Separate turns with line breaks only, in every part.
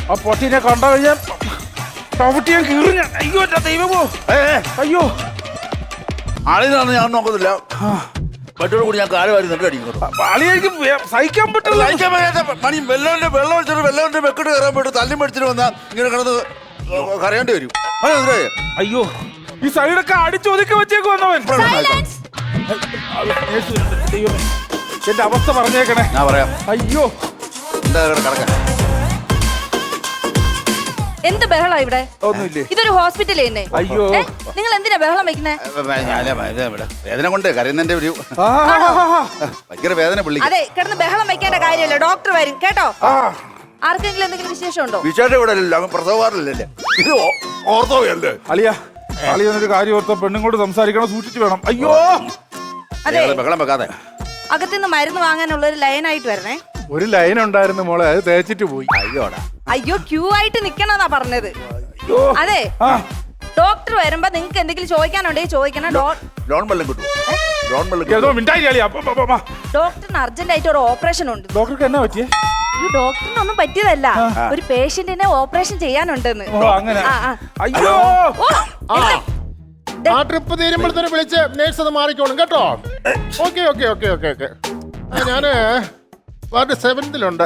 ആ പൊട്ടിനെ കണ്ടു കഴിഞ്ഞാൽ ചവിട്ടിയാൻ കീറിഞ്ഞ. അയ്യോ ദൈവമോ, അയ്യോ.
ആളിനാണ് ഞാൻ നോക്കുന്നില്ല. മറ്റൊരു കൂടി ഞാൻ കാല് വാരി നിന്നിട്ട് അടിക്കുന്നു.
ആളിയായിരിക്കും സഹിക്കാൻ പറ്റില്ല.
മണി വെള്ളം ഒഴിച്ചിട്ട് വെക്കിട്ട് കയറാൻ പോയിട്ട് തല്ലി മേടിച്ചിട്ട് വന്നാൽ ഇങ്ങനെ കിടന്ന് കരയേണ്ടി വരും.
അയ്യോ, ഈ സൈഡൊക്കെ അടിച്ചൊതുക്കി വെച്ചേക്ക് വന്നവൻ. എന്റെ അവസ്ഥ പറഞ്ഞേക്കണേ.
ഞാൻ പറയാം.
അയ്യോ,
എന്താ കിടക്കാൻ?
എന്ത് ബഹളാ ഇവിടെ?
ഒന്നുമില്ലേ?
ഇതൊരു ഹോസ്പിറ്റലേ തന്നെ.
അയ്യോ,
നിങ്ങൾ എന്തിനാ ബഹളം വെക്കുന്നേ?
വേദന കൊണ്ട് കരയുന്നതിന്റെ ഒരു ഭയങ്കര വേദന പുള്ളി.
അതെ, കിടന്ന് ബഹളം വെക്കേണ്ട കാര്യമല്ല, ഡോക്ടർ വരും കേട്ടോ. ആർക്കെങ്കിലും എന്തെങ്കിലും വിശേഷം ഉണ്ടോ?
വിശേഷം ഇവിടെ അല്ലല്ലോ, പ്രസവവാറില്ലല്ലേ, ഇത് ഓർത്തോയല്ലേ.
അളിയ എന്നൊരു കാര്യം ഓർത്ത പെണ്ണുങ്ങോട് സംസാരിക്കണം, സൂക്ഷിച്ചു വേണം. അയ്യോ,
അതെ,
ബഹളം വെക്കാതെ
അകത്തുനിന്ന് മരുന്ന് വാങ്ങാനുള്ള ഒരു ലൈനായിട്ട് വരണേ.
ഒരു ലൈൻ ഉണ്ടായിരുന്നു മോളെ, അത് തേച്ചിട്ട് പോയി.
അയ്യോടാ.
അയ്യോ, ക്യൂ ആയിട്ട് നിക്കണെന്നാ പറഞ്ഞത്. അതെ, ഡോക്ടർ വരുമ്പോ നിങ്ങൾക്ക് എന്തെങ്കിലും ചോദിക്കാനുണ്ടെങ്കിൽ ചോദിക്കണം.
ലോൺ വെള്ളം കിട്ടും.
ഡോക്ടറിന് അർജന്റ് ആയിട്ട് ഒരു ഓപ്പറേഷൻ ഉണ്ട്.
ഡോക്ടർക്ക് എന്നാ പറ്റിയേ?
ഡോക്ടറിനൊന്നും പറ്റിയതല്ല, ഒരു പേഷ്യന്റിനെ ഓപ്പറേഷൻ ചെയ്യാനുണ്ടെന്ന്.
അയ്യോ,
ആ ട്രിപ്പ് തീരുമ്പോഴത്തേന് വിളിച്ച് നേഴ്സ് അത് മാറിക്കോളും കേട്ടോ. Okay okay okay okay okay. ഞാന് വാർഡ് 7-ലുണ്ട്.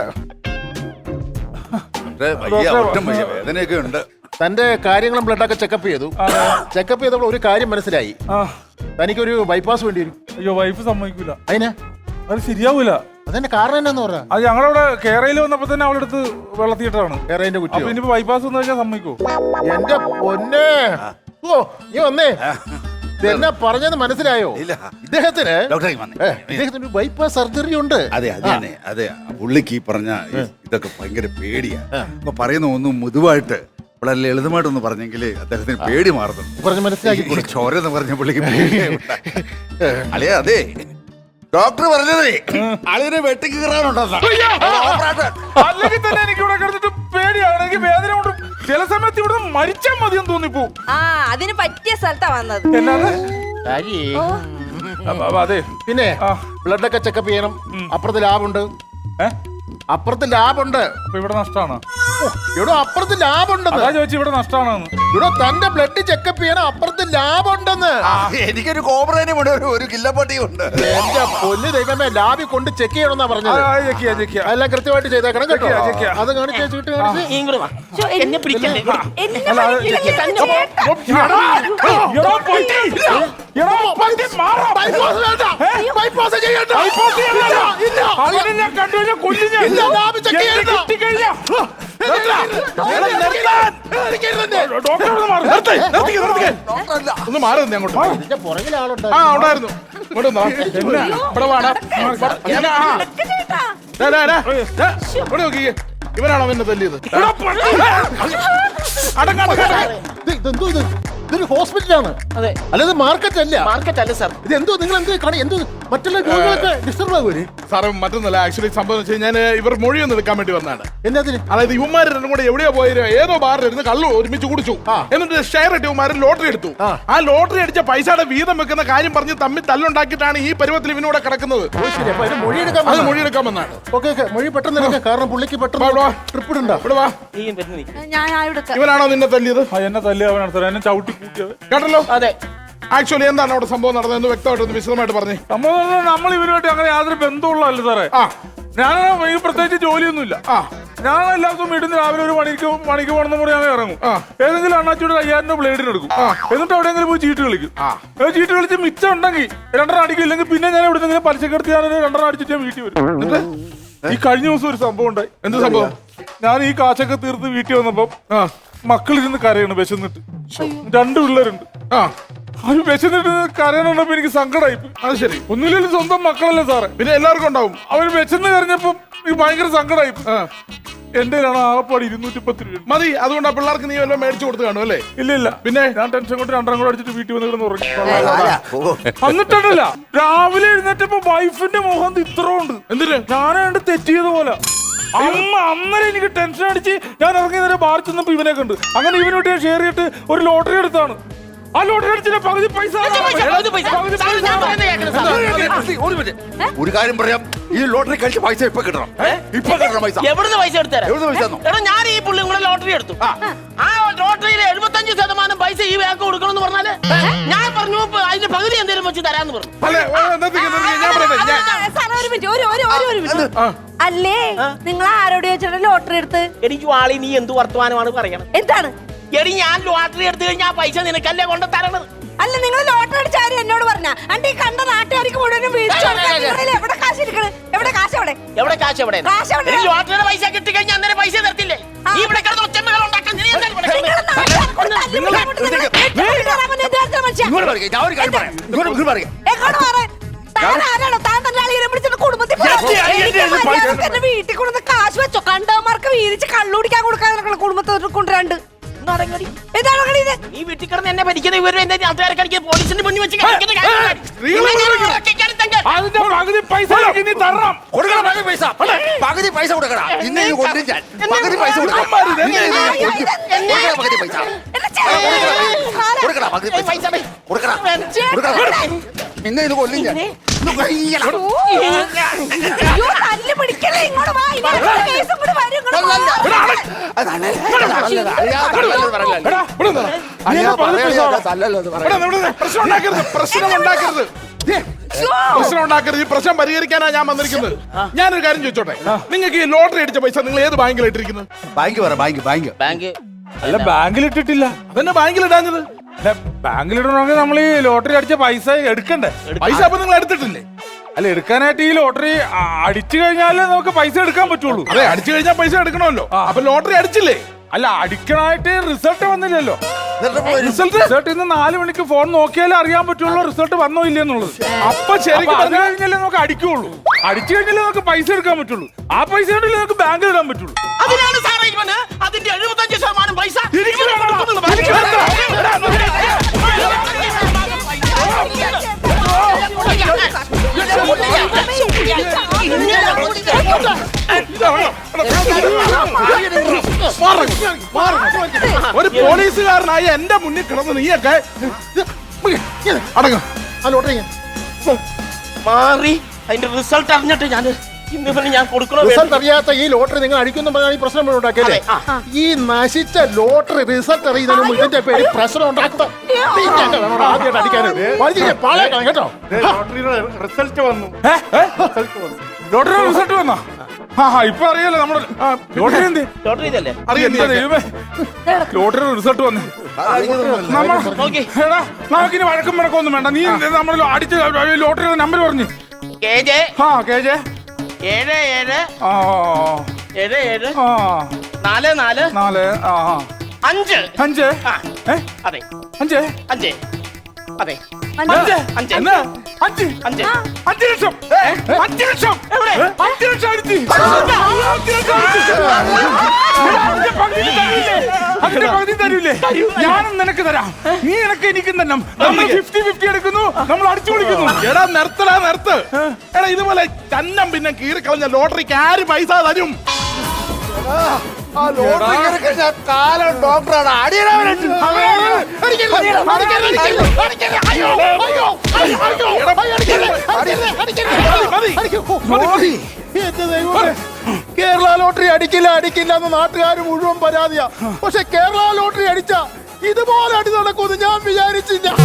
വേദനയൊക്കെ ഉണ്ട്.
തന്റെ കാര്യങ്ങളും ബ്ലഡൊക്കെ ചെക്കപ്പ് ചെയ്തു. ചെക്കപ്പ് ചെയ്തപ്പോൾ ഒരു കാര്യം മനസ്സിലായി. തനിക്കൊരു ബൈപ്പാസ് വേണ്ടി വരും.
അയ്യോ, വൈഫ് സമ്മതിക്കൂല.
അതിനാ?
അത് ശരിയാവൂല.
അതിന്റെ കാരണം എന്നാന്ന് പറഞ്ഞാ?
അത് ഞങ്ങളവിടെ കേരളയിൽ വന്നപ്പോ തന്നെ അവളെടുത്ത് വെള്ളത്തിയിട്ടാണ്.
കേരളത്തിന്റെ കുറ്റി.
ഇനിയിപ്പോ ബൈപ്പാസ് വന്നു കഴിഞ്ഞാൽ സമ്മതിക്കോ?
എന്റെ പൊന്നെ, ഓ നീ വന്നേ. എന്നാ പറഞ്ഞത് മനസ്സിലായോ? ഇദ്ദേഹത്തിന് ഇദ്ദേഹത്തിന് ബൈപ്പാസ് സർജറി ഉണ്ട്.
അതെ അതെ അതെ. പുള്ളിക്ക് ഈ പറഞ്ഞ ഇതൊക്കെ ഭയങ്കര പേടിയാ. അപ്പൊ പറയുന്ന ഒന്നും മുതുവായിട്ട് വളരെ ലളിതമായിട്ടൊന്ന് പറഞ്ഞെങ്കിൽ അദ്ദേഹത്തിന് പേടി മാറുന്നു.
പറഞ്ഞ് മനസ്സിലാക്കി
ചോരെന്ന് പറഞ്ഞ പുള്ളിക്ക് അളിയ. അതെ, ഡോക്ടർ പറഞ്ഞതേ അളിയനെ വെട്ടിക്ക് കയറാനുണ്ടെന്നാ.
അല്ലെങ്കിൽ തന്നെ എനിക്ക് ഇവിടെ കിടന്നിട്ട് പേടിയാണ്. എനിക്ക് വേദന കൊണ്ട് ചില സമയത്ത് ഇവിടെ മരിച്ചാൽ മതിയെന്ന് തോന്നിപ്പോ.
അതിന് പറ്റിയ സ്ഥലത്താ വന്നത്.
അതെ,
പിന്നെ ബ്ലഡൊക്കെ ചെക്കപ്പ് ചെയ്യണം. അപ്പുറത്ത് ലാബുണ്ട്. അപ്പുറത്ത് ലാബുണ്ട്.
അപ്പൊ ഇവിടെ നഷ്ടമാണ്.
ഇവിടെ അപ്പുറത്ത് ലാബുണ്ടെന്ന്
ചോദിച്ചു. ഇവിടെ നഷ്ടമാണെന്ന്.
ഇവിടെ തന്റെ ബ്ലഡ് ചെക്കപ്പ് ചെയ്യണം. അപ്പുറത്ത് ലാബുണ്ടെന്ന്.
എനിക്കൊരു കോബ്രേനും ഒരു കില്ലപ്പട്ടിയും ഉണ്ട്.
എന്റെ പൊന്നു ദൈവമേ, ലാബിൽ കൊണ്ട് ചെക്ക് ചെയ്യണമെന്നാ പറഞ്ഞത്. എല്ലാം കൃത്യമായിട്ട് ചെയ്തേക്കണം കേട്ടോ. അത് കാണിച്ചു.
ഒന്ന് മാറുന്നു അങ്ങോട്ട്.
പുറകിൽ ആളുണ്ട്.
ഉണ്ടായിരുന്നു. ഇവനാണോ എന്നെ തല്ലിയത്?
ഇതെന്തോ ഇത്? ഇതൊരു ഹോസ്പിറ്റലാണ്.
അതെ.
അല്ലാതെ മാർക്കറ്റ് അല്ല.
മാർക്കറ്റ് അല്ല സാർ.
ഇത് എന്തോ നിങ്ങൾ എന്ത് കാണി? എന്തോ മറ്റുള്ള രോഗികളൊക്കെ ഡിസ്റ്റർബ് ആകുമല്ലേ
സാറേ? മറ്റൊന്നല്ല, ആക്ച്വലി സംഭവം വെച്ച് ഞാൻ ഇവർ മൊഴിയൊന്നും എടുക്കാൻ വേണ്ടി വന്നതാണ്.
എന്നതിന്?
അതായത് ഇവന്മാർ രണ്ടും കൂടെ എവിടെയോ പോയി ഏതോ ബാറിലിരുന്ന് കള്ളു ഒരുമിച്ച് കുടിച്ചു. എന്നിട്ട് ഷെയർ ഇട്ട് ഇവന്മാരും ലോട്ടറി എടുത്തു. ആ ലോട്ടറി അടിച്ച പൈസയുടെ വീതം വെക്കുന്ന കാര്യം പറഞ്ഞ് തമ്മിൽ തല്ലുണ്ടാക്കിയിട്ടാണ് ഈ പരുവത്തിൽ ഇവനൂടെ കിടക്കുന്നത്. മൊഴിയെടുക്കാൻ വന്നാണ്.
ഓക്കെ, മൊഴി പെട്ടെന്ന് എടുക്കാം. കാരണം പുള്ളിക്ക് പെട്ടെന്ന് ട്രിപ്പ് ഇടണ്ട.
ഇവനാണോ നിന്നെ തല്ലിയത്? എന്നെ തല്ലിയവനാണ് സാർ. എന്നെ ചവിട്ടി കൂട്ടിയത് കേട്ടല്ലോ.
അതെ.
ആക്ച്വലി എന്താണ് അവിടെ സംഭവം നടന്നതെന്ന് വ്യക്തമായിട്ട് വിശദമായിട്ട് പറഞ്ഞു. സംഭവം നമ്മൾ ഇവരുമായിട്ട് അങ്ങനെ യാതൊരു ബന്ധമുള്ളതല്ല സാറേ. ഞാൻ ഈ പ്രത്യേകിച്ച് ജോലിയൊന്നുമില്ല. ഞാൻ എല്ലാ ദിവസവും വീട്ടിൽ നിന്ന് രാവിലെ ഒരു മണിക്ക് പോകണമെന്ന് കൂടെ ഞാൻ ഇറങ്ങും. ഏതെങ്കിലും അണ്ണാച്ചിയുടെ 5000 രൂപ ബ്ലേഡിന് എടുക്കും. എന്നിട്ട് എവിടെയെങ്കിലും പോയി ചീട്ട് കളിക്കും. ചീട്ട് കളിച്ച് മിച്ചം ഉണ്ടെങ്കിൽ 2 അടിക്കും. ഇല്ലെങ്കിൽ പിന്നെ ഞാൻ ഇവിടെ നിന്ന് പലിശക്കെടുത്ത് ഞാൻ 2 അടിച്ചിട്ട് ഞാൻ വീട്ടിൽ വരും. എന്നിട്ട് ഈ കഴിഞ്ഞ ദിവസം ഒരു സംഭവം ഉണ്ടായി. എന്ത് സംഭവം? ഞാൻ ഈ കാശൊക്കെ തീർത്ത് വീട്ടിൽ വന്നപ്പോ മക്കളിരുന്ന് കരയാണ് വിശന്നിട്ട്. 2 പിള്ളേരുണ്ട്. അവര് വിശന്നിട്ട് കരയാനുണ്ടപ്പോ എനിക്ക് സങ്കടമായി. അത് ശരി, ഒന്നുമില്ലെങ്കിലും സ്വന്തം മക്കളല്ലേ സാറേ, പിന്നെ എല്ലാവർക്കും ഉണ്ടാവും. അവര് വിശന്ന് കരഞ്ഞപ്പോ എനിക്ക് ഭയങ്കര സങ്കടമായി. എന്റെ ആകപ്പാട് 210 രൂപ മതി. അതുകൊണ്ട് ആ പിള്ളേർക്ക് നീ വല്ലതും മേടിച്ചു കൊടുത്ത് കാണും അല്ലേ? ഇല്ല. പിന്നെ ഞാൻ ടെൻഷൻ കൊണ്ട് 2 കൂടെ അടിച്ചിട്ട് വീട്ടിൽ വന്നിരുന്ന് ഉറങ്ങി. എന്നിട്ടല്ല, രാവിലെ എഴുന്നേറ്റപ്പോ വൈഫിന്റെ മുഖം ഇത്ര ഉണ്ട്. എന്തിന്? ഞാനാണ്ട് തെറ്റിയത് പോലെ. അന്നേരം എനിക്ക് ടെൻഷൻ അടിച്ച് ഞാൻ ഇറങ്ങി നേരെ ബാർ ചെന്നപ്പോ ഇവനെ കണ്ട്. അങ്ങനെ ഇവനോട്ട് ഞാൻ ഷെയർ ചെയ്തിട്ട് ഒരു ലോട്ടറി എടുത്താണ്. ആ ലോട്ടറി അടിച്ചിട്ട് പകുതി പൈസ
ഒരു കാര്യം പറയാം, ഈ ലോട്ടറി കഴിച്ച പൈസ ഇപ്പൊ കിട്ടണം. ഇപ്പൊ കിട്ടണം പൈസ.
എവിടുന്ന് പൈസ എടുത്തരാം?
എവിടുന്ന് പൈസ തന്നോ?
എടാ ഞാൻ ഈ പുള്ളി കൂടെ ലോട്ടറി എടുത്തു. ആ ലോട്ടറിയിലെ 75% പൈസ ഈ ബാങ്ക് കൊടുക്കണമെന്ന് പറഞ്ഞാല് ഞാൻ പറഞ്ഞു അതിന്റെ പകുതി എന്തെങ്കിലും വെച്ച് തരാന്ന് പറഞ്ഞു.
സാറേ, ഒരു മിനിറ്റ്, ഒരു മിനിറ്റ്. അല്ലേ നിങ്ങൾ ആരോട് ചോദിച്ചിട്ട് ലോട്ടറി എടുത്ത്?
എനിക്ക് വാളി നീ എന്ത് വർത്തമാനമാണ് പറയണത്?
എന്താണ്?
എടി ഞാൻ ലോട്ടറി എടുത്തു കഴിഞ്ഞാൽ ആ പൈസ നിനക്കല്ലേ കൊണ്ട് തരണത്?
അല്ല, നിങ്ങൾ ലോട്ടറി അടിച്ച കാര്യം എന്നോട് പറഞ്ഞ അണ്ടി കണ്ട നാട്ടുകാർക്ക് മുഴുവനും വീഴ്ച എവിടെ കാശ് ഇരിക്കണ്? എവിടെ കാശ്?
എവിടെ കാശ്? എവിടെ
കാശ് എവിടെ?
എനിക്ക് ലോട്ടറിയുടെ പൈസ കിട്ടി കഴിഞ്ഞാൽ അന്നേരം പൈസ തരത്തില്ലേ? നീ ഇവിടെ കിടന്ന് ഒച്ചമ്മകൾ ഉണ്ടാക്കാൻ നീ എന്തായാലും ഇവിടെ കിടന്ന്?
ഇങ്ങോട്ട് പറയ്, ഞാൻ ഒരു കാര്യം പറയാം. ഇങ്ങോട്ട് പറയ്.
വീട്ടിൽ കൊണ്ടുവന്ന് കാശ് വെച്ചോ? കണ്ടവന്മാർക്ക് വീതിച്ച് കള്ളുടിക്കാൻ കൊടുക്കാൻ കുടുംബത്തോട് കൊണ്ടുവരാണ്ട്
നീ വീട്ടിൽ കിടന്ന് എന്നെ ഭരിക്കുന്ന ഇവരും എന്റെ നാട്ടുകാരെ കളിക്കുന്ന പോലീസിന്റെ മുന്നിൽ വെച്ച് കളിക്കുന്ന കാര്യം.
അതിന്റെ പകുതി പൈസ നീ തരണം.
കൊടുക്കണം പകുതി പൈസ. പകുതി പൈസ കൊടുക്കണം. ഇന്ന് ഈ കൊണ്ടും ഞാൻ പകുതി പൈസ കൊടുക്കണം. പകുതി പൈസ കൊടുക്കണം. പകുതി പൈസ കൊടുക്കണം. കൊടുക്കണം. ഇന്ന് ഇത് കൊല്ലും ഞാൻ.
പ്രശ്നം ഉണ്ടാക്കരുത്. ഈ പ്രശ്നം പരിഹരിക്കാനാ ഞാൻ വന്നിരിക്കുന്നത്. ഞാനൊരു കാര്യം ചോദിച്ചോട്ടെ, നിങ്ങൾക്ക് ഈ ലോട്ടറി അടിച്ച പൈസ നിങ്ങൾ ഏത് ബാങ്കിൽ ഇട്ടിരിക്കുന്നത്?
ബാങ്ക് പറ. ബാങ്ക്
അല്ല, ബാങ്കിൽ ഇട്ടിട്ടില്ല. അതന്നെ ബാങ്കിൽ ഇടാഞ്ഞത്. ബാങ്കിൽ ഇടണമെങ്കിൽ നമ്മൾ ഈ ലോട്ടറി അടിച്ച പൈസ എടുക്കണ്ടേ? പൈസ അപ്പൊ നിങ്ങൾ എടുത്തിട്ടില്ലേ? അല്ല, എടുക്കാനായിട്ട് ഈ ലോട്ടറി അടിച്ചു കഴിഞ്ഞാലേ നമുക്ക് പൈസ എടുക്കാൻ പറ്റുള്ളൂ. അതെ, അടിച്ചു കഴിഞ്ഞാൽ പൈസ എടുക്കണമല്ലോ. അപ്പൊ ലോട്ടറി അടിച്ചില്ലേ? അല്ല, അടിക്കണായിട്ട് റിസൾട്ട് വന്നില്ലല്ലോ. റിസൾട്ട് ഇന്ന് 4 മണിക്ക് ഫോൺ നോക്കിയാലേ അറിയാൻ പറ്റുള്ളൂ റിസൾട്ട് വന്നോ ഇല്ലെന്നുള്ളത്. അപ്പൊ ശരിക്കും പറഞ്ഞു കഴിഞ്ഞാലേ നമുക്ക് അടിക്കുള്ളൂ. അടിച്ചു കഴിഞ്ഞാലേ നമുക്ക് പൈസ എടുക്കാൻ പറ്റുള്ളൂ. ആ പൈസ കൊണ്ടല്ലേ നമുക്ക് ബാങ്കിൽ ഇടാൻ പറ്റുള്ളൂ.
അതിനാണ് സാറേ ഇവന് അതിന്റെ 75% പൈസ
ഒരു പോലീസുകാരനായ എന്റെ മുന്നിൽ കിടന്ന് നീയൊക്കെ അടങ്ങ.
ആ ലോട്ടറി
മാറി അതിന്റെ റിസൾട്ട് അറിഞ്ഞിട്ട് ഞാൻ കൊടുക്കണോ?
റിസൾട്ട് അറിയാത്ത ഈ ലോട്ടറി നിങ്ങൾ അടിക്കുന്ന പറഞ്ഞാൽ ഈ പ്രശ്നം ഉണ്ടാക്കിയല്ലേ? ഈ നശിച്ച ലോട്ടറി റിസൾട്ട് അറിയുന്നതിന് മുമ്പ് ഇതിന്റെ പേര് പ്രശ്നം ഉണ്ടാക്കുക. ആദ്യമായിട്ട് അടിക്കാനും പാളേക്കണം കേട്ടോ.
റിസൾട്ട് വന്നു. ലോട്ടറി റിസൾട്ട് വന്നോ? ഇപ്പൊ അറിയാലോ നമ്മുടെ ലോട്ടറി എന്ത്
ലോട്ടറി ഇതല്ലേ?
ലോട്ടറി റിസൾട്ട് വന്നു. നമുക്കിനി വഴക്കും വഴക്കൊന്നും വേണ്ട. നീ നമ്മൾ അടിച്ച ലോട്ടറിയുടെ നമ്പർ പറഞ്ഞു.
KJ 77 77 44
4
5
5
അതെ
5
5 അതെ
5
ലക്ഷം. 5 ലക്ഷം. 5 ലക്ഷം അടിച്ച്. അതിന്റെ പകുതി തരൂലേ? ഞാനും നിനക്ക് തരാം. നീ എനക്ക് എനിക്കും തന്നെ. നമ്മൾ 50-50 എടുക്കുന്നു. നമ്മൾ അടിച്ചു വിളിക്കുന്നു. എടാ നിർത്ത്. എടാ ഇതുപോലെ ചന്നം പിന്നെ കീറിക്കളഞ്ഞ ലോട്ടറിക്ക് ആര് പൈസ തരും?
കാലം ഡോക്ടറാണ്.
കേരള ലോട്ടറി അടിക്കില്ല എന്ന് നാട്ടുകാർ മുഴുവൻ പരാതിയാ. പക്ഷെ കേരള ലോട്ടറി അടിച്ച ഇതുപോലെ അടി നടക്കുമെന്ന് ഞാൻ വിചാരിച്ചില്ല.